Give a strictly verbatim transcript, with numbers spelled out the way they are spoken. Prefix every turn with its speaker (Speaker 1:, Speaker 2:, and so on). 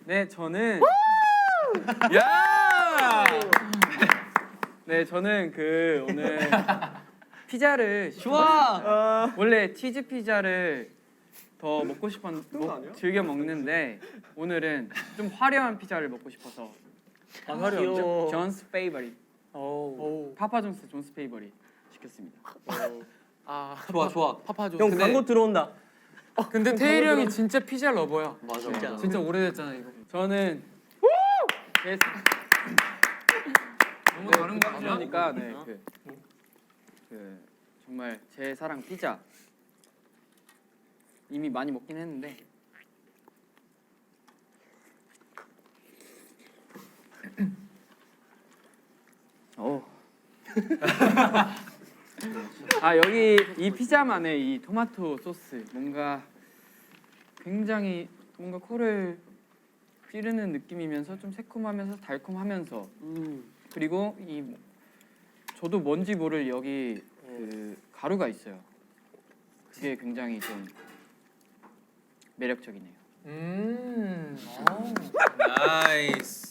Speaker 1: 네, 저는 야! 네, 저는 그 오늘 피자를
Speaker 2: 좋아.
Speaker 1: 원래 치즈 피자를 더 먹고 싶었 먹, 즐겨 먹는데 오늘은 좀 화려한 피자를 먹고 싶어서
Speaker 2: 아, 화려하죠?
Speaker 1: 존스 페이버릿
Speaker 2: 오.
Speaker 1: 파파존스 존스 페이버릿 시켰습니다.
Speaker 3: 아
Speaker 2: 좋아 좋아.
Speaker 3: 파파존.
Speaker 2: 형
Speaker 3: 근데,
Speaker 2: 광고 들어온다.
Speaker 3: 근데 태일이 형이 진짜 피자 러버야.
Speaker 2: 맞아
Speaker 3: 진짜,
Speaker 2: 맞아.
Speaker 3: 진짜 오래됐잖아 이거.
Speaker 1: 저는 제
Speaker 3: 너무
Speaker 1: 네,
Speaker 3: 다른 거 같아.
Speaker 1: 그러니까 네, 그, 그 정말 제 사랑 피자 이미 많이 먹긴 했는데 오. 아 여기 이 피자만의 이 토마토 소스 뭔가 굉장히 뭔가 코를 찌르는 느낌이면서 좀 새콤하면서 달콤하면서
Speaker 2: 음.
Speaker 1: 그리고 이 저도 뭔지 모를 여기 그 가루가 있어요. 그게 굉장히 좀 매력적이네요.
Speaker 3: 음.
Speaker 4: 나이스.